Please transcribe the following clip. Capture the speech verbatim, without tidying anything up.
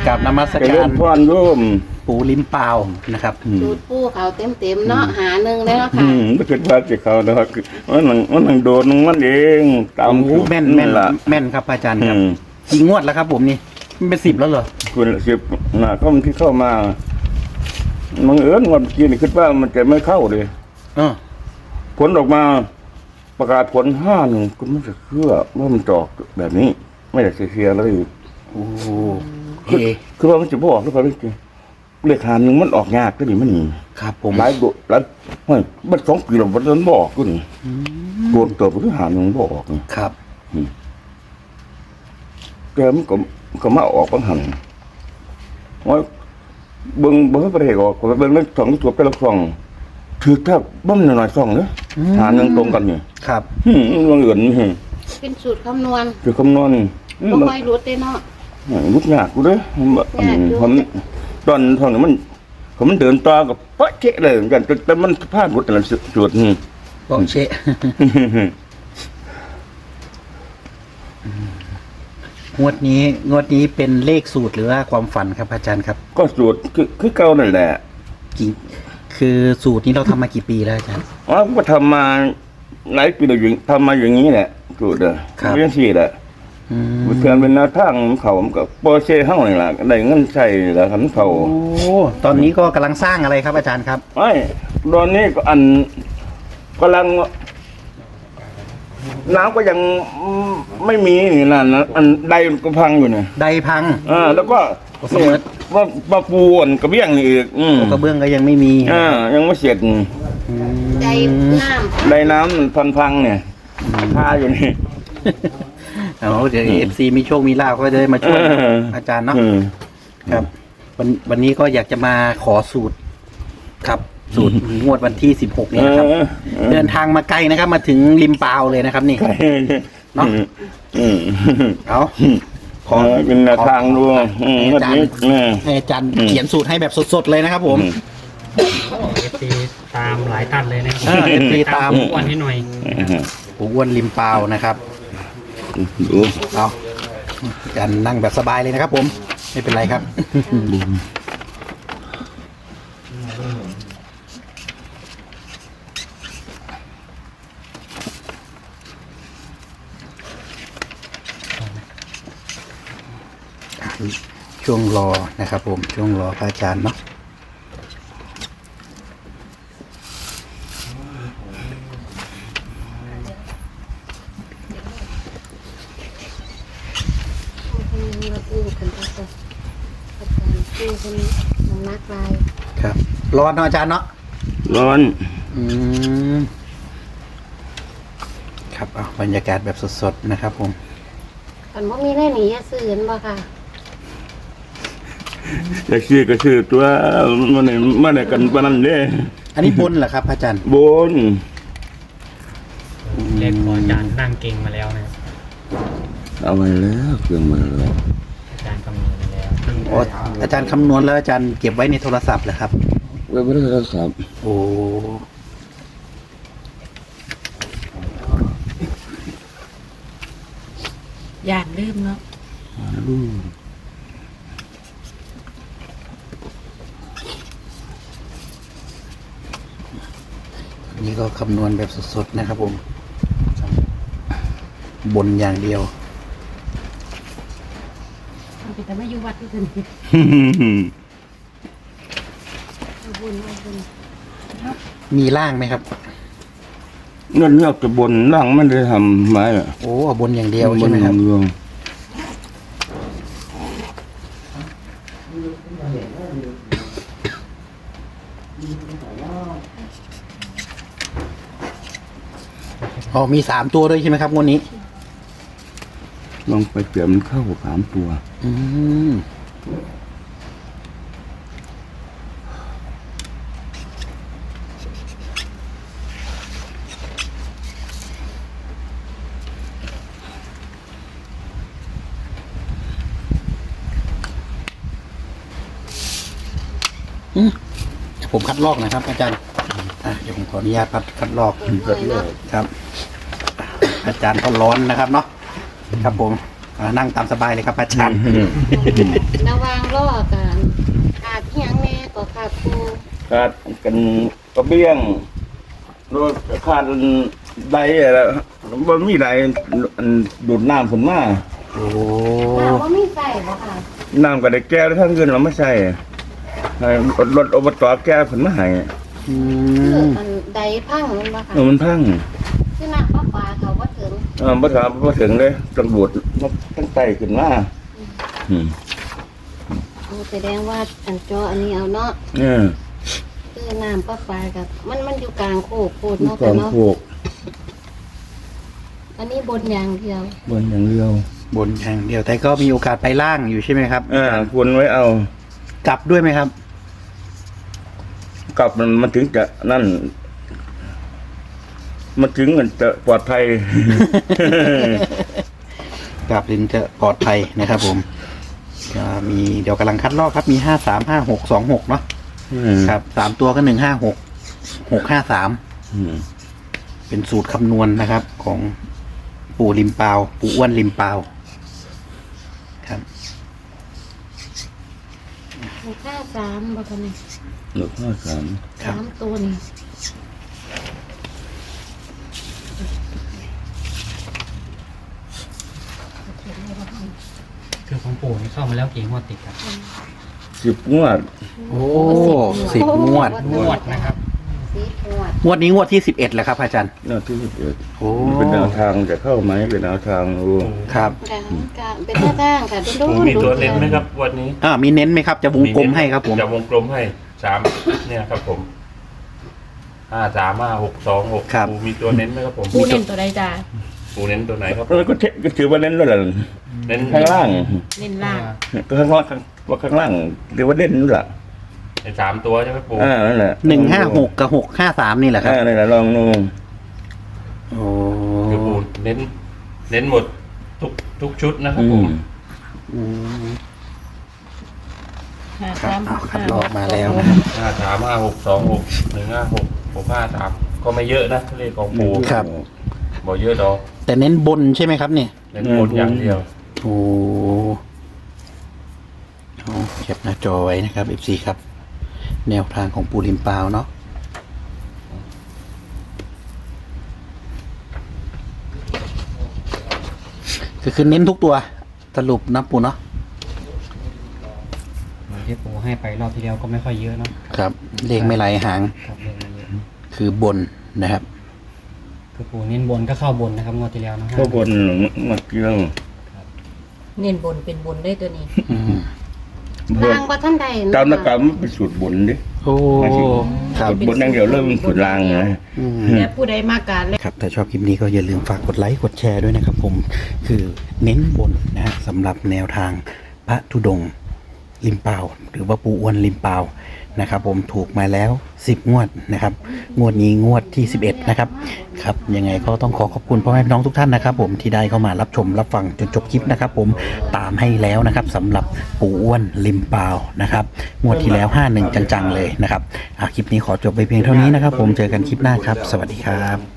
กับนมัสเจการิรญพรโยมปู่ลิ้มเปล่านะครับสูตรปูเขาเต็มเต็มๆเนาะหาหนึ่งเลยเนาะอืค่ะมไม่คิดว่าจะเขานะครับมันนังมันนังโดนมันเองตามโอ้โหแม่นแม่นละแม่นครับอาจารย์อืครับมกี่งวดแล้วครับผมนี่มันเป็นสิบแล้วเหรอคุณสิบน่ะก็มันที่เข้ามามันเอิญวันกินคิดว่ามันจะไม่เข้าเลยเออผลออกมาประกาศผลห้าหนึ่งก็ไม่จะเชื่อว่ามันจอกแบบนี้ ไม่ได้เสียเลยโอ้โหคือเอคือว่ามันจะบอกหรือเปล่าจริงเลขหาหนึ่งมันออกยากก็ดีมันนี่ครับผมหลายโดหลายเฮ้ยมันสองปีแล้วมันบอกก็นี่โดนตัวผู้หาหนึ่งบอกนี่ครับแกมันก็ก็มาออกปัญหาว่าเบิ่งเบิ่งประเทศออกก็เบิ่งเรื่องสองตัวไปละสองถือแทบบ่มหน่อยๆสองเด้อหาหนึ่งตรงกันนี่ครับอืมมันเงินนี่เป็นสูตรคำนวณคือคำนวณนี่บ่ค่อยรุดเลยเนาะรุดยากกูเด้อผมตอนตอนนี้มันผมมันเดินต่อกับปะเจ๊เลยเหมือนกันแต่มันพลาดรุดแต่ละจุดนี่บอกเชะงวดนี้งวดนี้เป็นเลขสูตรหรือว่าความฝันครับอาจารย์ครับก็สูตรคือคือเก่านั่นแหละกี่คือสูตรนี้เราทำมากี่ปีแล้วอาจารย์อ๋อก็ทำมาหลายปีแล้วอยู่ทำมาอย่างนี้แหละสูตรเด้อครับเรื่องสี่แหละอืมเพื่อนเป็นแนวทางของเขาผมก็โปรเช่เฮานี่ล่ะได้เงินใช้แล้วคันเขาโอ้ตอนนี้ก็กำลังสร้างอะไรครับอาจารย์ครับไอ้ตอนนี้ก็อันกำลังน้ำก็ยังไม่มีนี่นั่นนะอันใดก็พังอยู่เนี่ยใดพังอ่าแล้วก็เสมอว่ามาปูนกระเบี้ยงนี่อีกอืมกระเบื้องก็ยังไม่มีอ่ายังไม่เสร็จอืมใจน้ำใดน้ำมันพันพังเนี่ยท่าอยู่นี่เอาเดี๋ยวเอฟซีมีโชคมีลาภก็จะได้มาช่วยเอออาจารย์เนาะอืมครับ วันวันนี้ก็อยากจะมาขอสูตร ครับ สูตรงวดวันที่สิบหกนี้นะครับเออเออเดินทางมาไกลนะครับ มาถึงริมปาวเลยนะครับ นี่ เนาะอืมเอาขขออเป็นแนวทางดูขออืมให้วัอาน จารนี้ย์แม่ให้อาจารย์อืมเขียนสูตรให้แบบสดๆเลยนะครับ ผมเอฟซีตามหลายท่านเลยนะเออ เอฟ ซี ตามทุกวันให้หน่อยปู่อ้วนริมปาวนะครับดูเอาอาจารย์นั่งแบบสบายเลยนะครับ ผม ไม่เป็นไรครับ ช่วงรอนะครับผมช่วงรอพระอาจารย์เนาะเราปูกันไปก่อนอาจารย์ปูคนน้ำนักลายครับรอเนาะอาจารย์เนาะร้อนอืมครับเอาบรรยากาศแบบสดๆนะครับผมกันว่ามีได้หนีอย่าซื้อกันบ่ค่ะจะชื่อก็ชื่อตัวมันนี่มันนี่กันปานนั้นเด้อันนี้บนเหรอครับพระอาจารย์บนเลขของอาจารย์นั่งเก่งมาแล้วนะครับเอาไว้แล้วเครื่องมาแล้วอาจารย์คำนวณมาแล้วอ๋ออาจารย์คำนวณแล้วอาจารย์เก็บไว้ในโทรศัพท์เหรอครับไว้บ่ได้โทรศัพท์โอ้ยานลืมเนาะอันนี้ก็คำนวณแบบสดๆนะครับผม บนอย่างเดียวมันแต่ไม่อยู่วัดที่อื่นเอาบุญเอาบุญมีล่างไหมครับเงินเลือกจะบนล่างมันได้ทำไม้อ่ะโอ้เอาบนอย่างเดียวใช่ไหมครับเรื่องอ๋อมีสามตัวด้วยใช่ไหมครับงวดนี้ลองไปเปลี่ยนมันเข้าสามตัวอืมอืมเดี๋ยวผมคัดลอกหนะครับ อาจารย์อ่ะเดี๋ยวผมขออนุญาตคัดคัดลอกเลยเนาะครับ อาจารย์ก็ร้อนนะครับเนาะครับผมอ่านั่งตามสบายเลยครับอาจารย์ระหวางรอกันขาดที่ยังแน่ก็ขาดครูขาดกันกระเบี้ยงรถขาดใดอะไรบ่มีใดอันดูดน้ำผมมาโอ้ถามว่ามีใส่บ่ค่ะน้ำก็ได้แก้ทั้งเงินเราไม่ใช่ให้รถอบตแก้ผมมาให้อืคือมมันใดพังมันบ่ค่ะเออมันพังคือน้ำประปาเขาบ่ถึงเออบ่ถามบ่ถึงเลยตำรวจมาตั้งใจขึ้นมาอืมโอ้แสดงว่าอันจออันนี้เอาเนาะเออคือน้ำประปากับมันมันอยู่กลางโคกโคตรมีเนาะกอค่ะงเนาะพวกอันนี้บนอย่างเดียวบนอย่างเดียวบนอย่างเดียวแต่ก็มีโอกาสไปล่างอยู่ใช่ไหมครับเออควรไว้เอากลับด้วยไหมครับกลับมันมันถึงจะนั่น มันถึงมันจะปลอดภัยกลับถึงจะปลอดภัยนะครับผมก็มีเดี๋ยวกำลังคัดลอกครับมีห้าสามห้าหกสองหกเนาะอืมครับสามตัวก็หนึ่งห้าหกหกห้าสามอืมเป็นสูตรคำนวณนะครับ ของปู่ริมเปาวปู่อ้วนริมเปาวครับหกห้าสามบ่คะนี่หนึ่งห้าสามครับสามตัวนี่คือของปู่นี่เข้ามาแล้วกี่งวดติดครับสิบงวดโอ้สิบงวดงวดนะครับสิบงวดงวดนี้งวดที่สิบเอ็ดแหละครับอาจารย์หน้าที่สิบเอ็ดโอ้เป็นแนวทางจะเข้าไหมเป็นแนวทางรู้ครับค่ะค่ะเป็นหน้าจ้างค่ะดูผมมีตัวเน้นไหมครับวันนี้อ่ามีเน้นไหมครับจะวงกลมให้ครับผมจะวงกลมให้สามเนี่ยครับผมห้าสามห้าหกสองหกปูมีตัวเน้นไหมครับผมปูเน้นตัวใดจ้าปูเน้นตัวไหนครับแล้วก็เทก็ถือว่าเล่นแล้วแหละเน้นข้างล่างเน้นล่างก็ข้างล่างว่าข้างล่างเรียกว่าเล่นนู่นแหละในสามตัวใช่ไหมปูอ่านั่นแหละหนึ่งห้าหกกับหกห้าสามนี่แหละครับอ่านั่นแหละลองดูโอ้คือปูเน้น เน้นหมดทุกทุกชุดนะครับอืผม มอืมห้าครัสาบมเอาคัดลอกมาแล้วนะครับห้าสามห้าหกสองหกหนึ่งห้าหกหกห้าสามก็ไม่เยอะนะเลขของปูครับบอกเยอะดอกแต่เน้นบนใช่ไหมครับเนี่ยเน้นบนอย่างเดียวโอ้เอาเก็บหน้าจอไว้นะครับ เอฟ ซี ครับ แนวทางของปูริมปาวเนาะก็คือเน้นทุกตัวสรุปนะปูเนาะที่ปู่ให้ไปรอบที่แล้วก็ไม่ค่อยเยอะเนาะครับ เลขไม่ไหลหางครับเลขไม่เยอะคือบนนะครับคือปู่เน้นบนก็เข้าบนนะครับงวดที่แล้วนะข้างบนมาเกี่ยวเน้นบนเป็นบนได้ตัวนี้อืมเพิ่มล่างว่าท่านใดตามนักการมันเป็นสูตรบนดิโอ้ครับสูตรบนอย่างเดียวเริ่มสูตรล่างนะอืมและผู้ใดมาการเลยครับถ้าชอบคลิปนี้ก็อย่าลืมฝากกดไลค์กดแชร์ด้วยนะครับผมคือเน้นบนนะฮะสำหรับแนวทางพระธุดงค์ริมเปล่าหรือว่าปูอ้วนริมเปล่านะครับผมถูกมาแล้วสิบงวดนะครับงวดนี้งวดที่สิบเอ็ดนะครับครับยังไงก็ต้องขอขอบคุณพ่อแม่พี่น้องทุกท่านนะครับผมที่ได้เข้ามารับชมรับฟังจนจบคลิปนะครับผมตามให้แล้วนะครับสำหรับปูอ้วนริมเปล่านะครับงวดที่แล้วห้าหนึ่งจังๆเลยนะครับอ่ะคลิปนี้ขอจบไปเพียงเท่านี้นะครับผมเจอกันคลิปหน้าครับ สวัสดีครับ